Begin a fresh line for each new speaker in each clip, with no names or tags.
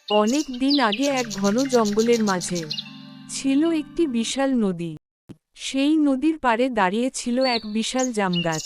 অনেক দিন আগে এক ঘন জঙ্গলের মাঝে ছিল একটি বিশাল নদী। সেই নদীর পাড়ে দাঁড়িয়ে ছিল এক বিশাল জামগাছ।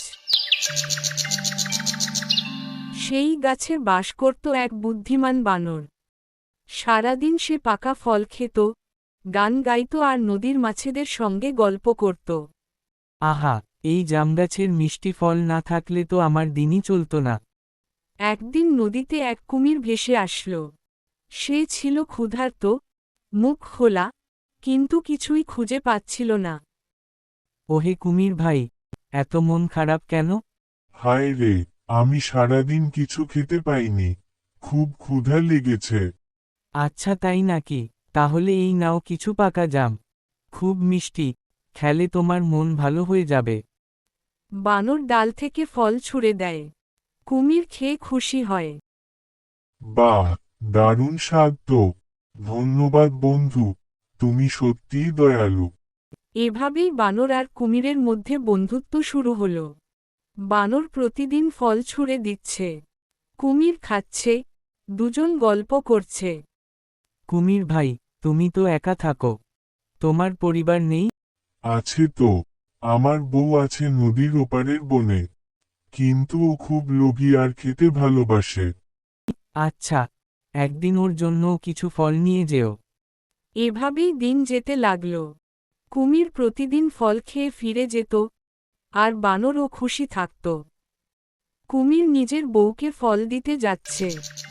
সেই গাছে বাস করত এক বুদ্ধিমান বানর। সারাদিন সে পাকা ফল খেত, গান গাইত আর নদীর মাছেদের সঙ্গে গল্প করত।
আহা, এই জামগাছের মিষ্টি ফল না থাকলে তো আমার দিনই চলত না।
একদিন নদীতে এক কুমির ভেসে আসল। সে ছিল ক্ষুধার্ত, মুখ খোলা, কিন্তু কিছুই খুঁজে পাচ্ছিল না।
ওহে কুমির ভাই, এত মন খারাপ কেন?
হায় রে, আমি সারাদিন কিছু খেতে পাইনি, খুব ক্ষুধা লেগেছে।
আচ্ছা তাই নাকি, তাহলে এই নাও কিছু পাকা জাম, খুব মিষ্টি, খেলে তোমার মন ভালো হয়ে যাবে।
বানর ডাল থেকে ফল ছুঁড়ে দেয়। কুমির খেয়ে খুশি হয়।
বাহ, দারুণ স্বাদ তো। ধন্যবাদ বন্ধু, তুমি সত্যিই দয়ালু।
এভাবেই বানর আর কুমিরের মধ্যে বন্ধুত্ব শুরু হল। বানর প্রতিদিন ফল ছুঁড়ে দিচ্ছে, কুমির খাচ্ছে, দুজন গল্প করছে।
কুমির ভাই, তুমি তো একা থাকো, তোমার পরিবার নেই?
আছে তো, আমার বউ আছে নদীর ওপারের বনে, কিন্তু ও খুব লোভী আর খেতে ভালোবাসে।
আচ্ছা, একদিন ওর জন্যও কিছু ফল নিয়ে যেও।
এভাবেই দিন যেতে লাগল। কুমির প্রতিদিন ফল খেয়ে ফিরে যেত, আর বানরও খুশি থাকত। কুমির নিজের বউকে ফল দিতে যাচ্ছে।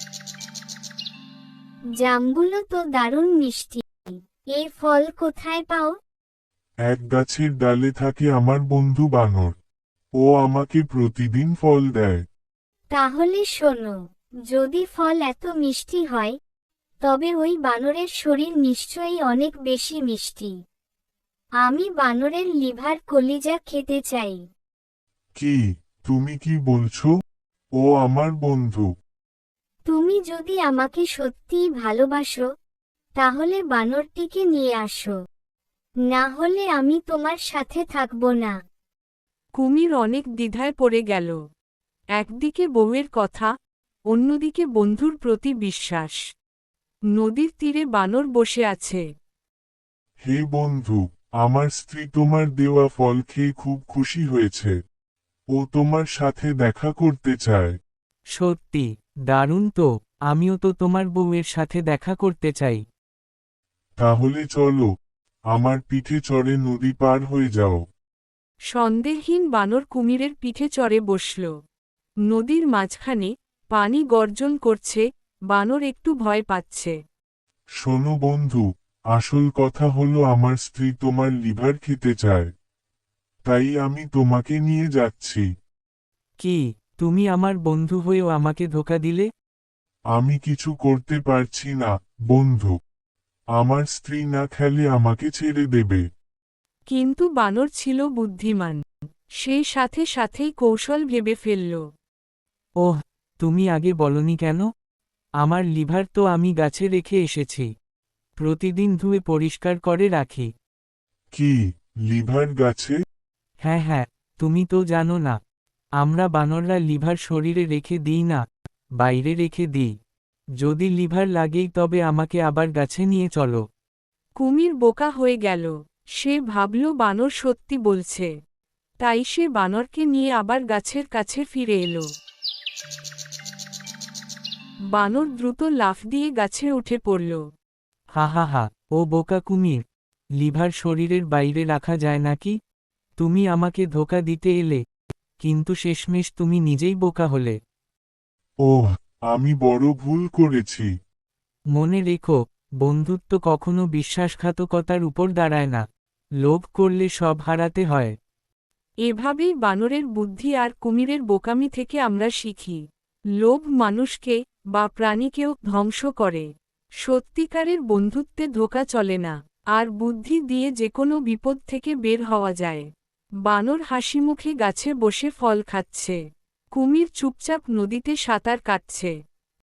জামগুলো তো দারুণ মিষ্টি। এই ফল কোথায় পাও?
এক গাছের ডালে থাকে আমার বন্ধু বানর, ও আমাকে প্রতিদিন ফল দেয়।
তাহলে শোনো, যদি ফল এত মিষ্টি হয়, তবে ওই বানরের শরীর নিশ্চয়ই অনেক বেশি মিষ্টি। আমি বানরের লিভার কলিজা খেতে চাই।
কি, তুমি কি বলছো? ও আমার বন্ধু।
তুমি যদি আমাকে সত্যিই ভালোবাসো, তাহলে বানরটিকে নিয়ে আসো, না হলে আমি তোমার সাথে থাকব না।
কুমির অনেক দ্বিধায় পড়ে গেল। একদিকে বউয়ের কথা, অন্যদিকে বন্ধুর প্রতি বিশ্বাস। নদীর তীরে বানর বসে আছে।
হে বন্ধু, আমার স্ত্রী তোমার দেওয়া ফল খেয়ে খুব খুশি হয়েছে, ও তোমার সাথে দেখা করতে চায়।
সত্যি, দারুণ তো, আমিও তো তোমার বউয়ের সাথে দেখা করতে চাই।
তাহলে চলো, আমার পিঠে চড়ে নদী পার হয়ে যাও।
সন্দেহহীন বানর কুমিরের পিঠে চড়ে বসল। নদীর মাঝখানে পানি গর্জন করছে, বানর একটু ভয় পাচ্ছে।
শোনো বন্ধু, আসল কথা হলো আমার স্ত্রী তোমার লিভার খেতে চায়, তাই আমি তোমাকে নিয়ে যাচ্ছি।
কি, তুমি আমার বন্ধু হয়েও আমাকে ধোঁকা দিলে?
আমি কিছু করতে পারছি না, বন্ধু। আমার স্ত্রী না খেলে আমাকে ছেড়ে দেবে।
কিন্তু বানর ছিল বুদ্ধিমান। সেই সাথে সাথেই কৌশল ভেবে ফেলল।
ওহ, তুমি আগে বলনি কেন? আমার লিভার তো আমি গাছে রেখে এসেছি, প্রতিদিন ধুয়ে পরিষ্কার করে রাখি।
কি, লিভার গাছে?
হ্যাঁ হ্যাঁ, তুমি তো জানো না, আমরা বানররা লিভার শরীরে রেখে দিই না, বাইরে রেখে দিই। যদি লিভার লাগেই তবে আমাকে আবার গাছে নিয়ে চলো।
কুমির বোকা হয়ে গেল। সে ভাবল বানর সত্যি বলছে। তাই সে বানরকে নিয়ে আবার গাছের কাছে ফিরে এলো। বানর দ্রুত লাফ দিয়ে গাছে উঠে পড়ল।
হা হা হা, ও বোকা কুমির, লিভার শরীরের বাইরে রাখা যায় নাকি? তুমি আমাকে ধোঁকা দিতে এলে, কিন্তু শেষমেশ তুমি নিজেই বোকা হলে।
ওহ, আমি বড় ভুল করেছি।
মনে রেখো, বন্ধুত্ব কখনো বিশ্বাসঘাতকতার উপর দাঁড়ায় না, লোভ করলে সব হারাতে হয়।
এভাবেই বানরের বুদ্ধি আর কুমিরের বোকামি থেকে আমরা শিখি। লোভ মানুষকে বা প্রাণীকেও ধ্বংস করে। সত্যিকারের বন্ধুত্বে ধোঁকা চলে না, আর বুদ্ধি দিয়ে যেকোনো বিপদ থেকে বের হওয়া যায়। বানর হাসিমুখে গাছে বসে ফল খাচ্ছে। কুমির চুপচাপ নদীতে সাঁতার কাটছে।